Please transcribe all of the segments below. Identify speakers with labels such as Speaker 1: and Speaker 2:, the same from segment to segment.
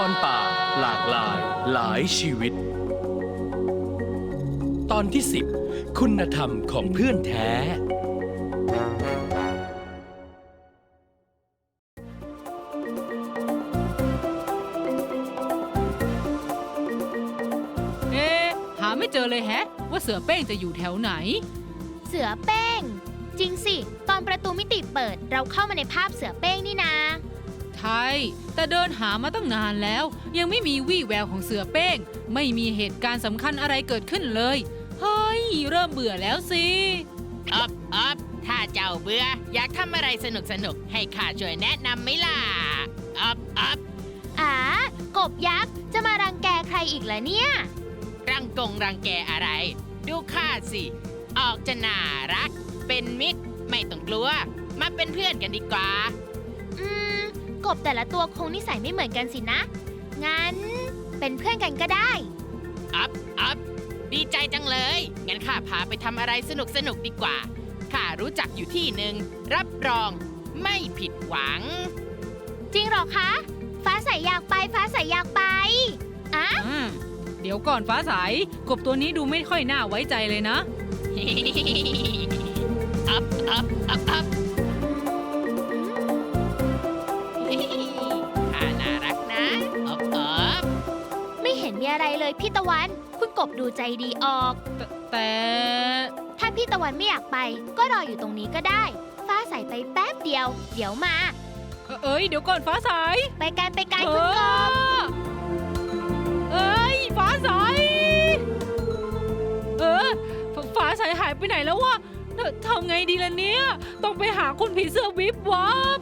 Speaker 1: รป่าหลากหลายหลายชีวิต ตอนที่ 10 คุณธรรมของเพื่อนแท้
Speaker 2: หาไม่เจอเลยแฮะว่าเสือเป้งจะอยู่แถวไหน
Speaker 3: เสือเป้งจริงสิตอนประตูมิติเปิดเราเข้ามาในภาพเสือเป้งนี่นา
Speaker 2: ใช่แต่เดินหามาตั้งนานแล้วยังไม่มีวี่แววของเสือเป้งไม่มีเหตุการณ์สำคัญอะไรเกิดขึ้นเลยเฮ้ยเริ่มเบื่อแล้วสิ
Speaker 4: อ๊อบถ้าเจ้าเบื่ออยากทำอะไรสนุกให้ข้าช่วยแนะนำไหมล่ะอ๊อบ
Speaker 3: กบยักษ์จะมารังแกใครอีกเหรอเนี่ย
Speaker 4: รังแกอะไร ดูข้าสิ ออกจะน่ารัก เป็นมิตร ไม่ต้องกลัว มาเป็นเพื่อนกันดีกว่า
Speaker 3: กบแต่ละตัวคงนิสัยไม่เหมือนกันสินะ งั้นเป็นเพื่อนกันก็ได้
Speaker 4: อ๊อบดีใจจังเลย งั้นข้าพาไปทำอะไรสนุกดีกว่า ข้ารู้จักอยู่ที่หนึ่ง รับรองไม่ผิดหวัง
Speaker 3: จริงเหรอคะ ฟ้าใสอยากไปฟ้าใสอยากไปอะ
Speaker 2: เดี๋ยวก่อนฟ้าใสกบตัวนี้ดูไม่ค่อยน่าไว้ใจเลยนะ
Speaker 4: อ๊อบข้าน่ารักนะอ๊อบ
Speaker 3: ไม่เห็นมีอะไรเลยพี่ตะวัน คุณกบดูใจดีออก
Speaker 2: แต่
Speaker 3: ถ้าพี่ตะวันไม่อยากไป ก็รออยู่ตรงนี้ก็ได้ ฟ้าใสไปแป๊บเดียว เดี๋ยวมา
Speaker 2: เดี๋ยวก่อนฟ้าใส
Speaker 3: ไปกันคุณกบ
Speaker 2: ฟ้าใสฟ้าใสหายไปไหนแล้ววะทำไงดีล่ะเนี่ยต้องไปหาคุณผีเสื้อวิบวับ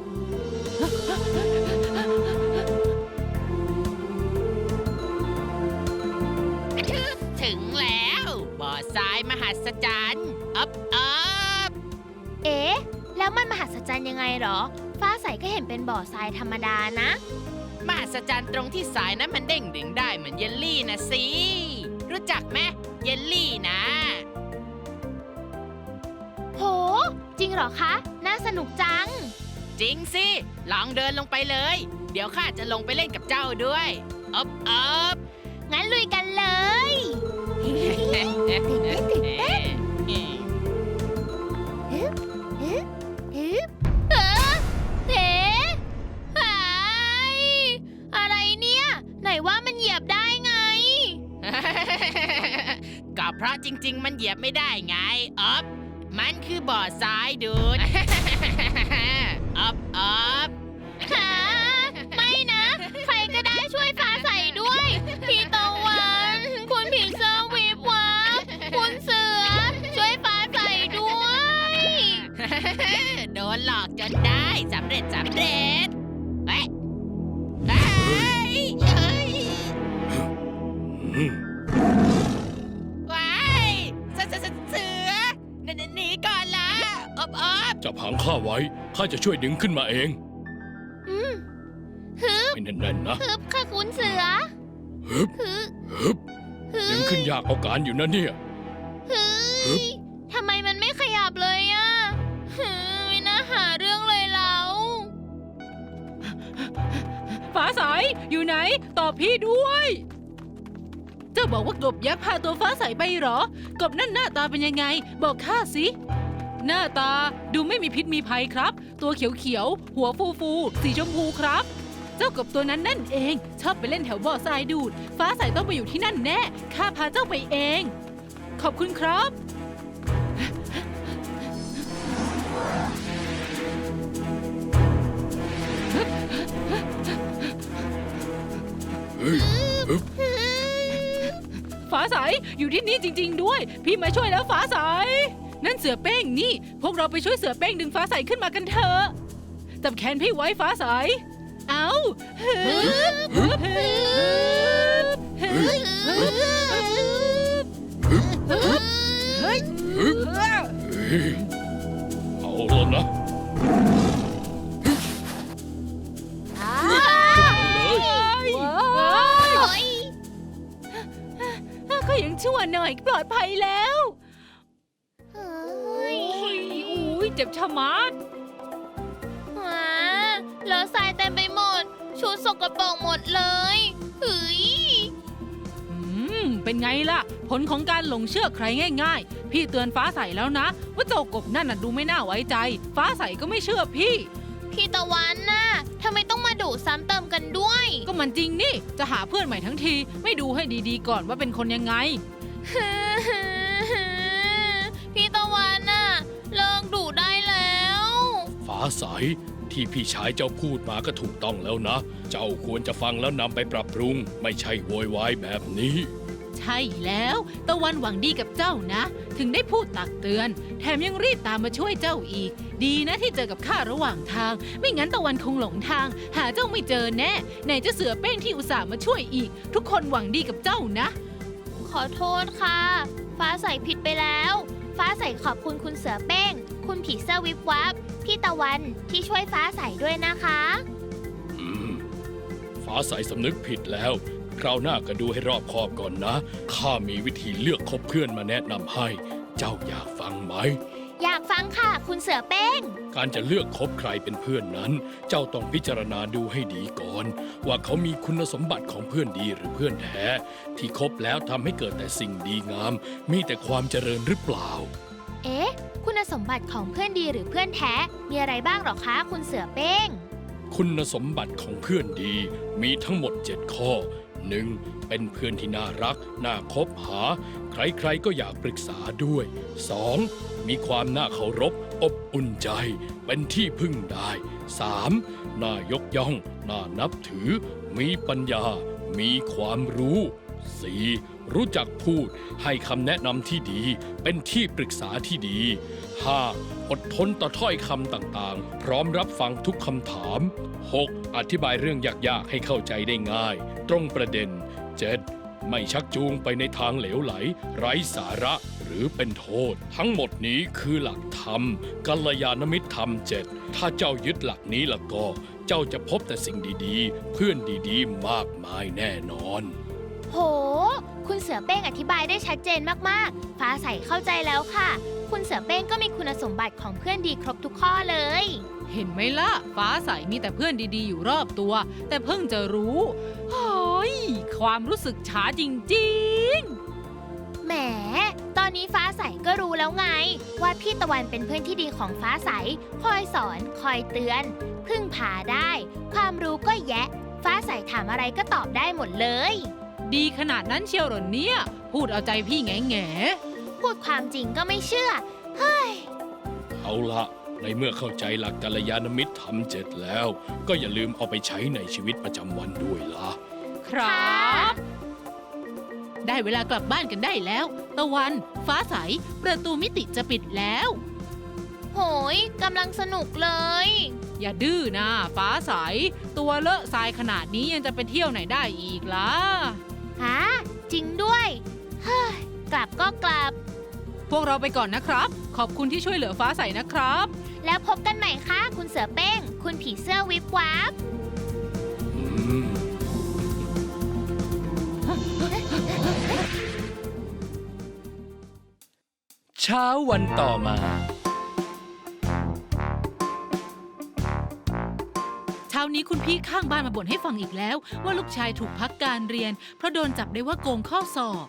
Speaker 4: ถึงแล้วบ่อทรายมหัศจรรย์อ๊อบ
Speaker 3: เอ๊ะ แล้วมันมหัศจรรย์ยังไงเหรอ ฟ้าใสก็เห็นเป็นบ่อทรายธรรมดานะ
Speaker 4: มหัศจรรย์ตรงที่สายนั้นมันเด้งดึงได้เหมือนเยลลี่นะสิ รู้จักไหมเยลลี่นะ
Speaker 3: โห จริงเหรอคะ น่าสนุกจัง
Speaker 4: จริงสิ ลองเดินลงไปเลย เดี๋ยวข้าจะลงไปเล่นกับเจ้าด้วยอ๊อบ
Speaker 3: งั้นลุยกันเลย ฮึบเอ๋หายอะไรเนี่ย ไหนว่ามันเหยียบได้ไง
Speaker 4: ก็เพราะจริงๆ มันเหยียบไม่ได้ไงอ๊อบมันคือบ่อทรายดูด อ๊อบ
Speaker 3: หาไม่นะ ใครก็ได้ช่วยฟ้าใสด้วย พี่ตะวัน คุณผีเสื้อวิบวับคุณเสือ ช่วยฟ้าใสด้วย
Speaker 4: โดนหลอกจนได้สำเร็จเฮ้ยเฮ้ยว้ายเสือหนีก่อนละอ๊อบ
Speaker 1: จับหางข้าไว้ ข้าจะช่วยดึงขึ้นมาเอง
Speaker 3: ฮึบ
Speaker 1: ให้แน่นๆนะ
Speaker 3: ฮึบค่ะคุณเสือ
Speaker 1: ฮึบ
Speaker 3: ฮึบ
Speaker 1: ฮึบ
Speaker 3: ฮึ
Speaker 1: ดึง
Speaker 3: บ
Speaker 1: ขึ้นยากเอาการอยู่นะเนี่ย
Speaker 3: ฮึ
Speaker 1: ฮึ
Speaker 3: บบ ทำไมมันไม่ขยับเลยอะไม่น่าหาเรื่องเลยเรา
Speaker 2: ฟ้าใสอยู่ไหนตอบพี่ด้วยเจ้าบอกว่ากบยักษ์พาตัวฟ้าใสไปเหรอกบนั่นหน้าตาเป็นยังไง บอกข้าสิหน้าตาดูไม่มีพิษมีภัยครับ ตัวเขียวๆหัวฟูๆสีชมพูครับ เจ้ากบตัวนั้นนั่นเองชอบไปเล่นแถวบ่อทรายดูด ฟ้าใสต้องไปอยู่ที่นั่นแน่ข้าพาเจ้าไปเอง ขอบคุณครับ
Speaker 1: เฮ้ย ฮึบ
Speaker 2: ฟ้าใสอยู่ที่นี่จริงๆด้วย พี่มาช่วยแล้วฟ้าใสนั่นเสือเป้งนี่ พวกเราไปช่วยเสือเป้งดึงฟ้าใสขึ้นมากันเถอะจับแขนพี่ไว้ฟ้าใสเอาฮึบฮึบฮึบฮึบฮึบฮึบเฮ้ย
Speaker 1: ฮึบ เฮ้ย เอาแล้วนะ
Speaker 2: ก็ยังชั่วหน่อยปลอดภัยแล้ว
Speaker 3: อุ้
Speaker 2: ย
Speaker 3: ย
Speaker 2: เจ็บชะมัด
Speaker 3: เลอะทรายเต็มไปหมดชุดสกปรกหมดเลยเฮ้ย
Speaker 2: เป็นไงล่ะ ผลของการหลงเชื่อใครง่ายๆ พี่เตือนฟ้าใสแล้วนะ ว่าเจ้ากบนั่นน่ะดูไม่น่าไว้ใจ ฟ้าใสก็ไม่เชื่อพี่
Speaker 3: พี่ตะวันน่ะทำไมต้องมาดุซ้ำเติมกันด้วย
Speaker 2: ก็มันจริงนี่ จะหาเพื่อนใหม่ทั้งที ไม่ดูให้ดีๆก่อนว่าเป็นคนยังไง
Speaker 3: พี่ตะวันน่ะเลิกดุได้แล้ว
Speaker 1: ฟ้าใสที่พี่ชายเจ้าพูดมาก็ถูกต้องแล้วนะ เจ้าควรจะฟังแล้วนำไปปรับปรุง ไม่ใช่โวยวายแบบนี้
Speaker 2: ใช่แล้ว ตะวันหวังดีกับเจ้านะ ถึงได้พูดตักเตือน แถมยังรีบตามมาช่วยเจ้าอีก ดีนะที่เจอกับข้าระหว่างทาง ไม่งั้นตะวันคงหลงทาง หาเจ้าไม่เจอแน่ไหนจะเสือเป้งที่อุตส่าห์มาช่วยอีก ทุกคนหวังดีกับเจ้านะ
Speaker 3: ขอโทษค่ะ ฟ้าใสผิดไปแล้ว ฟ้าใสขอบคุณคุณเสือเป้ง คุณผีเสื้อวิบวับ พี่ตะวันที่ช่วยฟ้าใสด้วยนะคะ
Speaker 1: อืม ฟ้าใสสำนึกผิดแล้ว คราวหน้าก็ดูให้รอบคอบก่อนนะ ข้ามีวิธีเลือกคบเพื่อนมาแนะนำให้ เจ้าอยากฟังไหม
Speaker 3: อยากฟังค่ะ คุณเสือเป้ง
Speaker 1: การจะเลือกคบใครเป็นเพื่อนนั้น เจ้าต้องพิจารณาดูให้ดีก่อน ว่าเขามีคุณสมบัติของเพื่อนดีหรือเพื่อนแท้ ที่คบแล้วทำให้เกิดแต่สิ่งดีงาม มีแต่ความเจริญหรือเปล่า
Speaker 3: เอ๊ะ คุณสมบัติของเพื่อนดีหรือเพื่อนแท้ มีอะไรบ้างหรอคะ คุณเสือเป้ง
Speaker 1: คุณสมบัติของเพื่อนดีมีทั้งหมด 7 ข้อ 1. เป็นเพื่อนที่น่ารัก น่าคบหา ใครๆก็อยากปรึกษาด้วย 2. มีความน่าเคารพ อบอุ่นใจ เป็นที่พึ่งได้ 3. น่ายกย่อง น่านับถือ มีปัญญา มีความรู้ 4. รู้จักพูด ให้คำแนะนำที่ดี เป็นที่ปรึกษาที่ดี 5. อดทนต่อถ้อยคำต่างๆ พร้อมรับฟังทุกคำถาม 6. อธิบายเรื่องยากๆให้เข้าใจได้ง่าย ตรงประเด็น 7. ไม่ชักจูงไปในทางเหลวไหล ไร้สาระหรือเป็นโทษ ทั้งหมดนี้คือหลักธรรม กัลยาณมิตรธรรม 7 ถ้าเจ้ายึดหลักนี้แล้วก็ เจ้าจะพบแต่สิ่งดีๆ เพื่อนดีๆ มากมายแน่นอน
Speaker 3: โห คุณเสือเป้งอธิบายได้ชัดเจนมากๆ ฟ้าใสเข้าใจแล้วค่ะ คุณเสือเป้งก็มีคุณสมบัติของเพื่อนดีครบทุกข้อเลย
Speaker 2: เห็นไหมล่ะ ฟ้าใสมีแต่เพื่อนดีๆอยู่รอบตัว แต่เพิ่งจะรู้เฮ้ยความรู้สึกช้าจริงๆ
Speaker 3: แหม ตอนนี้ฟ้าใสก็รู้แล้วไง ว่าพี่ตะวันเป็นเพื่อนที่ดีของฟ้าใส คอยสอน คอยเตือน พึ่งพาได้ ความรู้ก็แยะ ฟ้าใสถามอะไรก็ตอบได้หมดเลย
Speaker 2: ดีขนาดนั้นเชียวเหรอเนี่ย พูดเอาใจพี่แง่
Speaker 3: พูดความจริงก็ไม่เชื่อ เฮ้ย
Speaker 1: เอาละในเมื่อเข้าใจหลักกัลยาณมิตรธรรม 7 แล้ว ก็อย่าลืมเอาไปใช้ในชีวิตประจำวันด้วยล่ะ
Speaker 2: ๆครับ ได้เวลากลับบ้านกันได้แล้ว ตะวัน ฟ้าใส ประตูมิติจะปิดแล้ว
Speaker 3: โหยกำลังสนุกเลย
Speaker 2: อย่าดื้อนะฟ้าใส ตัวเลอะทรายขนาดนี้ยังจะไปเที่ยวไหนได้อีกล่ะ
Speaker 3: ฮะ จริงด้วย เฮ้ย กลับก็กลับ
Speaker 2: พวกเราไปก่อนนะครับ ขอบคุณที่ช่วยเหลือฟ้าใสนะครับ
Speaker 3: แล้วพบกันใหม่ค่ะ คุณเสือเป้ง คุณผีเสื้อวิบวับ
Speaker 1: อืม
Speaker 5: เช้าวันต่อมา
Speaker 2: เช้านี้คุณพี่ข้างบ้านมาบ่นให้ฟังอีกแล้ว ว่าลูกชายถูกพักการเรียน เพราะโดนจับได้ว่าโกงข้อสอบ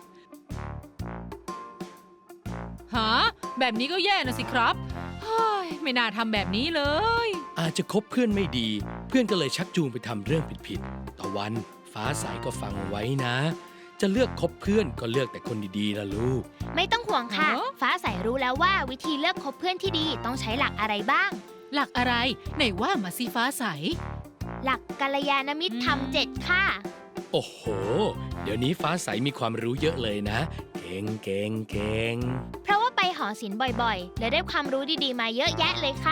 Speaker 2: ฮะแบบนี้ก็แย่นะสิครับเฮ้ยไม่น่าทำแบบนี้เลย
Speaker 5: อาจจะคบเพื่อนไม่ดี เพื่อนก็เลยชักจูงไปทำเรื่องผิดๆตะวันฟ้าใสก็ฟังไว้นะ จะเลือกคบเพื่อนก็เลือกแต่คนดีๆล่ะลูก
Speaker 3: ไม่ต้องห่วงค่ะ
Speaker 2: ฮะ
Speaker 3: ฟ้าใสรู้แล้วว่าวิธีเลือกคบเพื่อนที่ดีต้องใช้หลักอะไรบ้าง
Speaker 2: หลักอะไรไหนว่ามาสิฟ้าใส
Speaker 3: หลักกัลยาณมิตรธรรม 7 ค่ะ
Speaker 5: โอ้โห เดี๋ยวนี้ฟ้าใสมีความรู้เยอะเลยนะ เก่งเก่งเก่ง
Speaker 3: เพราะว่าไปหอศิลป์บ่อยๆ และได้ความรู้ดีๆ มาเยอะแยะเลยค่ะ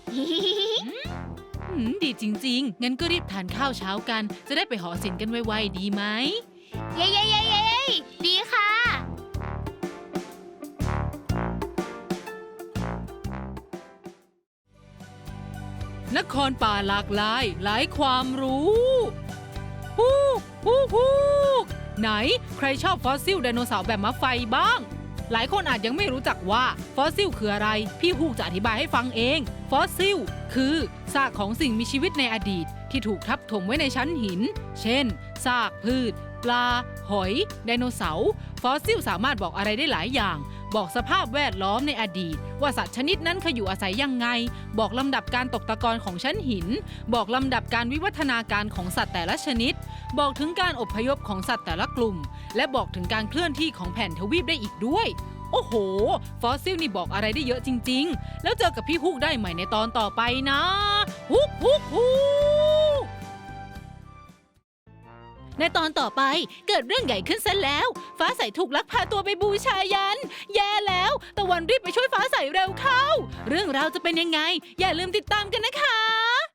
Speaker 2: ดีจริงๆ งั้นก็รีบทานข้าวเช้ากัน จะได้ไปหอศิลป์กันไวๆดีไหม
Speaker 3: เย้เย้เย้เย้ดีค่ะ
Speaker 2: นครป่าหลากหลายหลายความรู้ฮู้ฮู้ฮู้ไหนใครชอบฟอสซิลไดโนเสาร์แบบมะไฟบ้าง หลายคนอาจยังไม่รู้จักว่าฟอสซิลคืออะไร พี่ฮูกจะอธิบายให้ฟังเอง ฟอสซิลคือซากของสิ่งมีชีวิตในอดีตที่ถูกทับถมไว้ในชั้นหิน เช่น ซากพืช ปลา หอย ไดโนเสาร์ ฟอสซิลสามารถบอกอะไรได้หลายอย่าง บอกสภาพแวดล้อมในอดีต ว่าสัตว์ชนิดนั้นเคยอยู่อาศัยยังไง บอกลำดับการตกตะกอนของชั้นหิน บอกลำดับการวิวัฒนาการของสัตว์แต่ละชนิด บอกถึงการอพยพของสัตว์แต่ละกลุ่ม และบอกถึงการเคลื่อนที่ของแผ่นทวีปได้อีกด้วย โอ้โห ฟอสซิลนี่บอกอะไรได้เยอะจริงๆ แล้วเจอกับพี่ฮุกได้ใหม่ในตอนต่อไปนะฮุกฮุกฮุกในตอนต่อไปเกิดเรื่องใหญ่ขึ้นซะแล้ว ฟ้าใสถูกลักพาตัวไปบูชายัน แย่แล้วตะวันรีบไปช่วยฟ้าใสเร็วเข้า เรื่องราวจะเป็นยังไง อย่าลืมติดตามกันนะคะ